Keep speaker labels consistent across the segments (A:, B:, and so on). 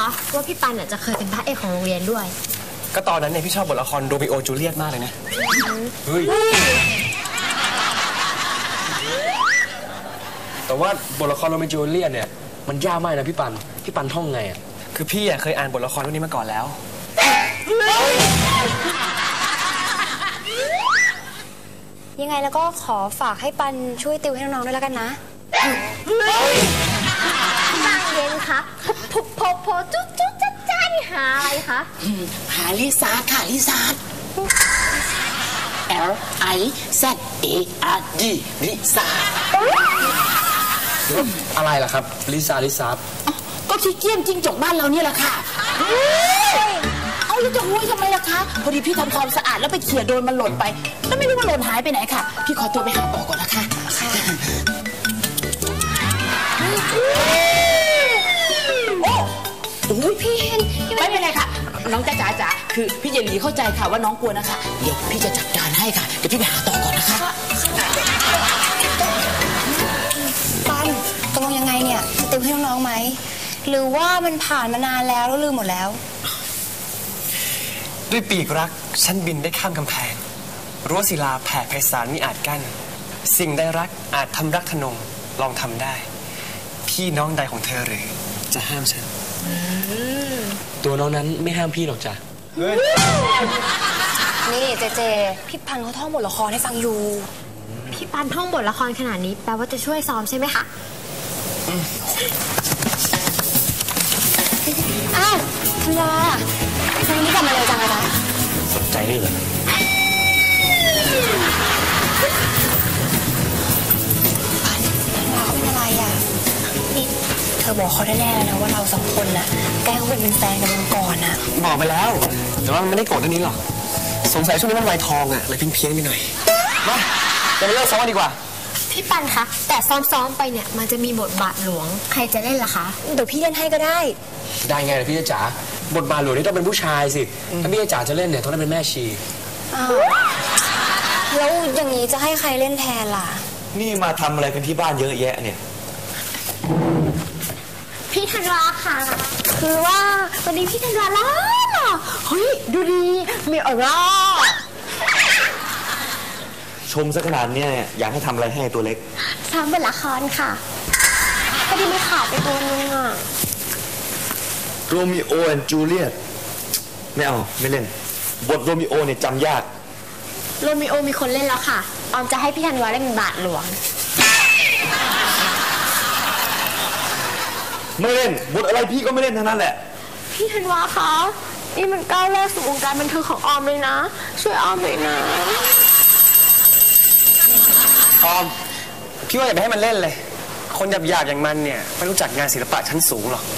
A: คะว่าพี่ปันจะเคยเป็นพระเอกของโรงเรียนด้วย
B: ก็ตอนนั้นเนี่ยพี่ชอบบทละครโรมิโอจูเลียตมากเลยนะเฮ้ยแต่ว่าบทละครโรมิโอจูเลียตเนี่ยมันยากมากนะพี่ปันท่องไงอ่ะคือพี่เคยอ่านบทละครเรื่องนี้มาก่อนแล้ว
A: ยังไงแล้วก็ขอฝากให้ปันช่วยติวให้น้องๆด้วยแล้วกันนะบางเย็นคะโพจุ๊จ๊ะนี่หาอะไรคะ
C: หาลิซ่าค่ะลิซ่า LIZARD ลิซ่า
B: อะไรล่ะครับลิซ่า
C: ก็ขี้เกียจจิ้งจกบ้านเราเนี่ยแหละค่ะเอาแล้วจะหุ้ยทำไมล่ะคะพอดีพี่ทำความสะอาดแล้วไปเขี่ยโดนมันหล่นไปแล้วไม่รู้ว่าหล่นหายไปไหนค่ะพี่ขอตัวไปหาต่อก่อนนะคะโอ้ยพี่เห็นไม่เป็นไรค่ะน้องจ๋าคือพี่เยลีเข้าใจค่ะว่าน้องกลัวนะคะเดี๋ยวพี่จะจัดการให้ค่ะเดี๋ยวพี่ไปหาต่อก่อนนะคะ
A: ปันตกลงยังไงเนี่ยจะติวให้น้องๆไหมหรือว่ามันผ่านมานานแล้วลืมหมดแล้ว
B: ด้วยปีกรักฉันบินได้ข้ามกำแพงรั้วศิลาแผ่ไพศาลมิอาจกั้นสิ่งใดรักอาจทำรักทนงลองทำได้พี่น้องใดของเธอหรือจะห้ามฉันตัวน้องนั้นไม่ห้ามพี่หรอกจ้ะ
A: นี่เจพี่ปันเขาท่องบทละครให้ฟังอยู่พี่ปันท่องบทละครขนาดนี้แปลว่าจะช่วยซ้อมใช่ไหมคะอ้าวธันวาวันนี้กลับมาเร็วจังเลยนะ
B: สนใจนี่เหรอ
A: ธันวาเป็นอะไรอ่ะนี่เธอบอกเขาแน่ๆแล้วนะว่าเราสองคนน่ะแกเขาเป็นแฟนกันมาก่อนน่ะ
B: บอกไปแล้วแต่ว่ามันไม่ได้โกรธเรื่องนี้หรอกสงสัยช่วงนี้มันวัยทองอ่ะเลยเพี้ยนไปหน่อยมาเราไปเลิกซ้อมกันดีกว่า
A: พี่ปันคะแต่ซ้อมไปเนี่ยมันจะมีบทบาทหลวงใครจะเล่นล่ะคะเดี๋ยวพี่เล่นให้ก็ได้
B: ไงล่ะพี่จ๋าบทบาทหลวงนี่ต้องเป็นผู้ชายสิถ้าพี่จ๋าจะเล่นเนี่ยต้องได้เป็นแม่ชี
A: แล้วอย่างนี้จะให้ใครเล่นแทนล่ะ
D: นี่มาทำอะไรกันที่บ้านเยอะแยะเนี่ย
A: พี่ธันวาค่ะคือว่าวันนี้พี่ธันวาล่ะเฮ้ยดูดีมีออร่า
D: ชมซะขนาดนี้อยากให้ทำอะไรให้ตัวเล็ก
A: ซ้ำบทละครค่ะพอดีไม่ขาดไปตัวนึงอ่ะ
D: โรมิโอแอนด์จูเลียตไม่เอาไม่เล่นบทโรมิโอเนี่ยจำยาก
A: โรมิโอมีคนเล่นแล้วค่ะออมจะให้พี่ธันวาเล่นเป็นบาทหลวง
D: ไม่เล่นบทอะไรพี่ก็ไม่เล่นทั้งนั้นแหละ
A: พี่ธันวาคะนี่มันก้าวแรกสู่วงการบันเทิงของออมเลยนะช่วยออมหน่อยนะ
B: ออมพี่ว่าอย่าไปให้มันเล่นเลยคนหยาบอย่างมันเนี่ยไม่รู้จักงานศิลปะชั้นสูงหรอก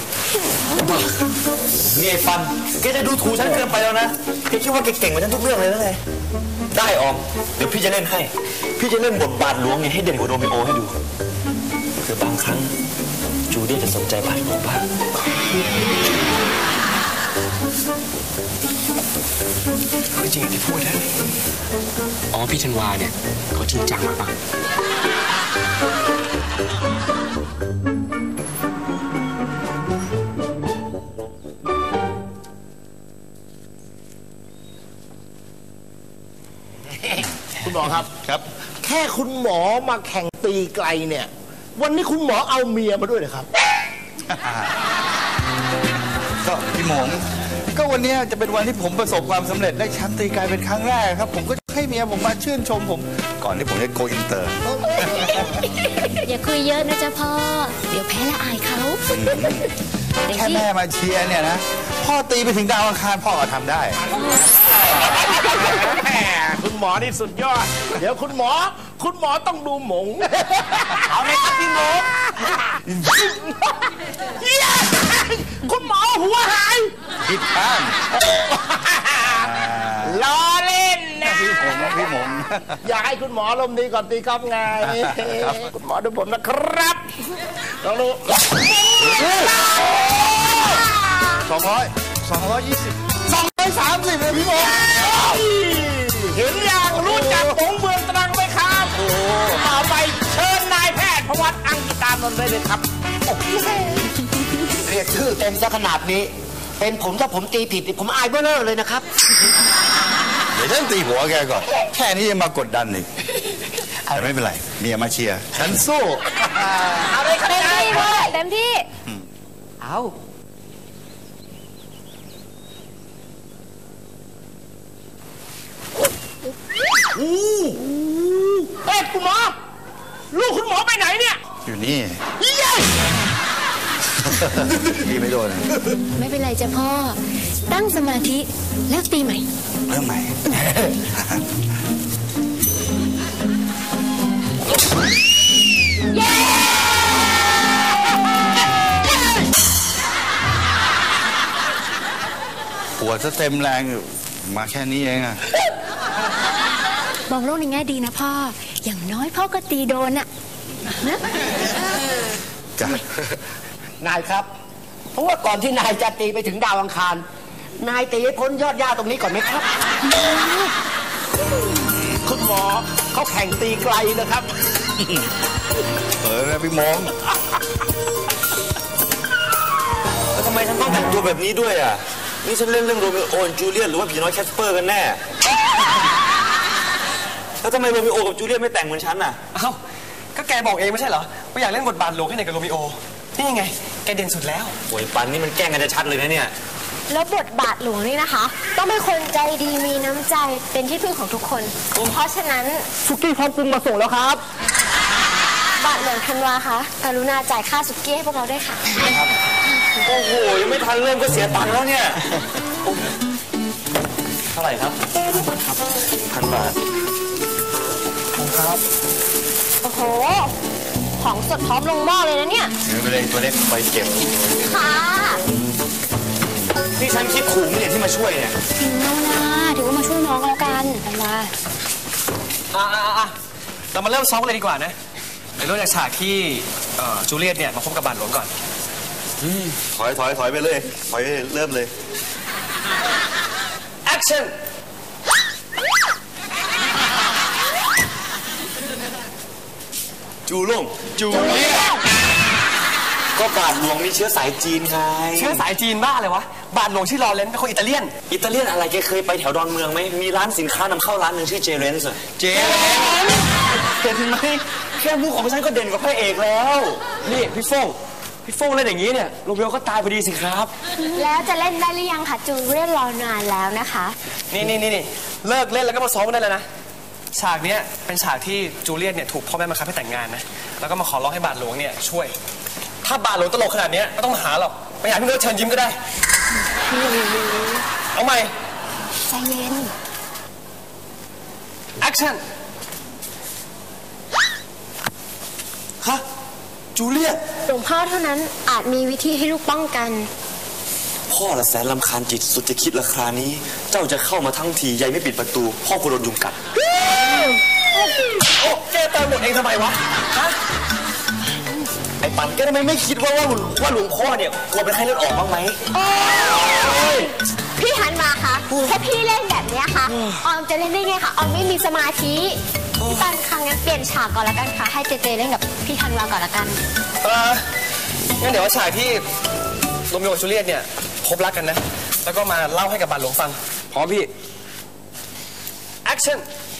D: นี่ไอ้ปันแกจะดูถูกฉันเกินไปแล้วนะแกคิดว่าแกเก่งกว่าฉันทุกเรื่องเลยนะไงได้ออมเดี๋ยวพี่จะเล่นให้พี่จะเล่นบทบาทหลวงเนี่ยให้เด่นกว่าโรมิโอให้ดูคือบางครั้งจูเลียตจะสนใจบาทหลวงบ้าง
B: จริงที่พูดนะพี่ธันวาเนี่ยเขาจริงจังมากปะ
E: คุณหมอครับแค่คุณหมอมาแข่งตีไกลเนี่ยวันนี้คุณหมอเอาเมียมาด้วยเหรอครับ
F: ก็พี่หมงก็วันนี้จะเป็นวันที่ผมประสบความสำเร็จได้แชมป์ตีไกลเป็นครั้งแรกครับผมก็ให้เมียผมมาชื่นชมผมก่อนที่ผมจะโกอินเตอร์
A: อย่าคุยเยอะนะจ๊ะพ่อเดี๋ยวแพ้ละอายเขา
F: แค่แม่มาเชียร์เนี่ยนะพ่อตีไปถึงดาวอังคารพ่อก็ทำได้
E: คุณหมอนี่สุดยอดเดี๋ยวคุณหมอต้องดูหมงเอาไหมครับพี่หมงคุณหมอหัวหาย
F: ผิดข้าง
E: ล้อเล่นนะ
F: พี่หมง
E: อยากให้คุณหมอลมดีก่อนตีกอล์ฟไงคุณหมอดูผมนะครับลองดู
F: 220เลยพี่หมง
E: เห็นอย่างรู้จักหงเมืองตรังไหมครับต่อไปเชิญนายแพทย์พวัตอังกิตานนท์ได้เลยครับ
B: เรี
E: รียกชื่อเต็มซะขนาดนี้ เป็นผมถ้าผมตีผิดผมอายเบ้อเร่อเลยนะครับ
F: เดี๋ยวฉันตีหัวแกก่อน แค่นี้ยังมากดดันอีกแต่ไม่เป็นไร เมียมาเชียร์ ฉันสู้
E: เอาเลยครับ
A: เต็มที่เลยเต็มที่
C: เอา
E: เฮ้ยคุณหมอลูกคุณหมอไปไหนเนี่ย
F: อยู่นี่ ตีไม่โดน
A: ไม่เป็นไรจ้ะพ่อ ตั้งสมาธิแล้วตีใหม่
F: เริ่มใหม่ ปวดซะเต็มแรงอยู่มาแค่นี้เองอะ
A: มองโลกในแง่ดีนะพ่อ อย่างน้อยพ่อก็ตีโดนอะนะ
F: จ้ะ
E: นายครับ เพราะว่าก่อนที่นายจะตีไปถึงดาวอังคาร นายตีให้พ้นยอดหญ้าตรงนี้ก่อนไหมครับ คุณหมอเขาแข่งตีไกลนะครับ
F: นะพี่มง
D: แล้วทำไมฉันต้องแต่งตัวแบบนี้ด้วยอ่ะ นี่ฉันเล่นเรื่องโรมิโอและจูเลียตหรือว่าผีน้อยแคสเปอร์กันแน่ แล้วทำไมโรมิโอกับจูเลียตไม่แต่งเหมือนฉันอ่ะ
B: เอ้าก็แกบอกเองไม่ใช่เหรอว่าอยากเล่นบทบาทหลวงให้ไหนกับโรมิโอนี่ยังไงแกเด่นสุดแล้ว
D: โอ้ยปันนี่มันแกล้งกันจะชัดเลยนะเนี่ย
A: แล้วบทบาทหลวงนี่นะคะ ต้องเป็นคนใจดีมีน้ำใจเป็นที่พึ่งของทุกคน เพราะฉะนั้น
E: สุกี้พร้อมปรุงมาส่งแล้วครับ
A: บาทหลวงธันวาคะกรุณาจ่ายค่าสุกี้ให้พวกเราด้วยค่ะ
D: โอ้โห ยังไม่ทันเริ่มก็เสียตังค์แล้วเนี่ย เท่าไหร่ครับ1,000 บาท
B: ครับ
A: โอ้โห ของสดพร้อมลงหม้อเลยนะเนี่ย
F: ถือไปเลยตัวเล็กไปเก็บ
A: ค่ะ
D: นี่ฉันคิดขู่เนี่ยที่มาช่วยเนี่ย
A: น้องนาถือว่ามาช่วยน้องแล้วกันธันวา
B: เรามาเริ่มซ้อมกันเลยดีกว่านะเดี๋ยวเริ่มจากฉากที่จูเลียตเนี่ยมาพบกับบาทหลวงก่อน
D: ถอยไปเลย ถอยเริ่มเลย
B: action
D: จูลงจูเลียตก็บาทหลวงมีเชื้อสายจีนไง
B: เชื้อสายจีนบ้าเลยวะบาทหลวงชื่อลอเรนซ์เป็นคนอิตาเลียน
D: อิตาเลียนอะไรแกเคยไปแถวดอนเมืองไหม มีร้านสินค้านำเข้าร้านหนึ่งชื่อเจเรนส์เจเรนเห็นไหมแค่มุกของฉันก็เด่นกว่าพระเอกแล้ว
B: นี่พี่โฟ่งเล่นอย่างนี้เนี่ยโรเบลก็ตายพอดีสิครับ
A: แล้วจะเล่นได้หรือยังคะจูเลียตรอนานแล้วนะคะ
B: นี่เลิกเล่นแล้วก็มาซ้อมกันได้แล้วนะฉากเนี้ยเป็นฉากที่จูเลียตเนี่ยถูกพ่อแม่บังคับให้แต่งงานนะแล้วก็มาขอร้องให้บาทหลวงเนี่ยช่วย ถ้าบาทหลวงตลกขนาดเนี้ยไม่ต้องมาหาหรอกไปหาพี่โน้ตเชิญยิ้มก็ได้เอาใหม่
A: ใจเย็น
B: action
D: ฮะ จูเลียต
A: หลวงพ่อเท่านั้นอาจมีวิธีให้ลูกป้องกัน
D: พ่อละแสนลำคาญจิตสุดจะคิดราคานี้ เจ้าจะเข้ามาทั้งทียายไม่ปิดประตู พ่อกลัวโดนยุงกัด
B: โอ้แกเติมหมดเองทำไมวะฮะ
D: ไอ้ปันแกทำไมไม่คิดว่าหลวงพ่อเนี่ยกลัวเป็นไข้เลือดออกบ้างไหม
A: พี่ฮันมาคะถ้าพี่เล่นแบบเนี้ยค่ะออมจะเล่นได้ไงคะออมไม่มีสมาธิพี่ปันครั้งงั้นเปลี่ยนฉากก่อนละกันค่ะให้เจเจเล่นกับพี่ธันวาก่อนละกัน
B: งั้นเดี๋ยวว่าฉากที่โรมิโอกับจูเลียตเนี่ยพบรักกันนะแล้วก็มาเล่าให้กับบาทหลวงฟังพร้อมพี่ action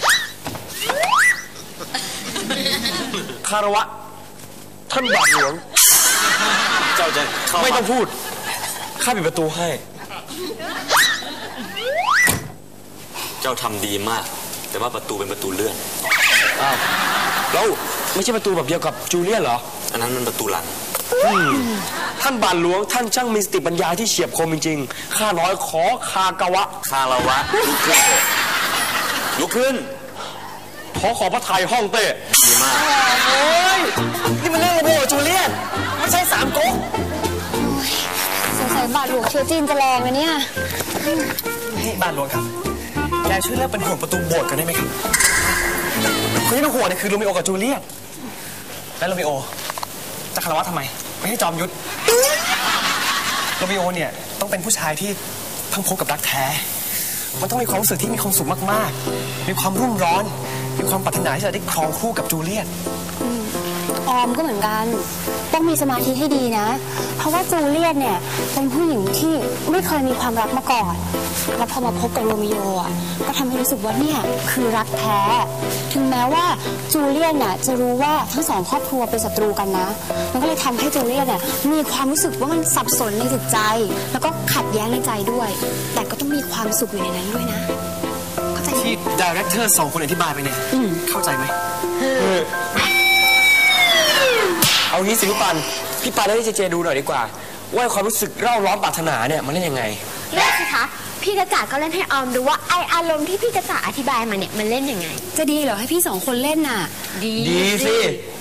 B: คารวะท่านบาทหลวง
D: เจ้าจะเข้า
B: ไม่ต้องพูดข้าปิดประตูให้
D: เจ้าทำดีมาก แต่ว่าประตูเป็นประตูเลื่อน
B: อ้าวแล้วไม่ใช่ประตูแบบเดียวกับจูเลียตเหรอ
D: อันนั้นมันประตูหลัง
B: ท่านบาทหลวงท่านช่างมีสติปัญญาที่เฉียบคมจริงๆข้าน้อยขอคากะวะ
D: คารวะลุกขึ้น
B: ขอพระทัยห้องเต้
D: ดีมาก
B: โอ้ยนี่มันเรื่องโรมิโอกับจูเลียตไม่ใช่สามก๊ก
A: สงสัยบาทหลวงเชื้อจีนจะแรงนะเนี่ย
B: นี่บาทหลวงครับแกช่วยเลิกเป็นห่วงประตูโบสถ์กันได้ไหมครับคนที่เป็นห่วงเนี่ยคือโรมิโอกับจูเลียตและโรมิโอจะคารวะทำไมไม่ให้จอมยุทธโรมิโอเนี่ยต้องเป็นผู้ชายที่เพิ่งพบกับรักแท้ มันต้องมีความรู้สึกที่มีความสุขมากๆมีความรุ่มร้อนมีความปรารถนาที่จะได้ครองคู่กับจูเลียต
G: ออมก็เหมือนกันต้องมีสมาธิให้ดีนะเพราะว่าจูเลียตเนี่ยเป็นผู้หญิงที่ไม่เคยมีความรักมาก่อนแล้วพอมาพบกับโรมิโออ่ะก็ทำให้รู้สึกว่าเนี่ยคือรักแท้ถึงแม้ว่าจูเลียตน่ะจะรู้ว่าทั้งสองครอบครัวเป็นศัตรูกันนะมันก็เลยทำให้จูเลียตเนี่ยมีความรู้สึกว่ามันสับสนในจิตใจแล้วก็ขัดแย้งในใจด้วยแต่ก็ต้องมีความสุขอยู่ในนั้นด้วยนะเข้าใจไหม
B: ที่ดีเรคเตอร์2 คนอธิบายไปเนี่ยเข้าใจไหมเอางี้สิพี่ปันให้เจเจดูหน่อยดีกว่าว่าความรู้สึกเร่าร้อนปรารถนาเนี่ยมันเล่นยังไง
A: เล่นสิคะพี่กระจ๋าก็เล่นให้ออมดูว่าไออารมณ์ที่พี่กระจ๋าอธิบายมาเนี่ยมันเล่นยังไง
G: จะดีเหรอให้พี่2 คนเล่นน่ะ
B: ดีสิ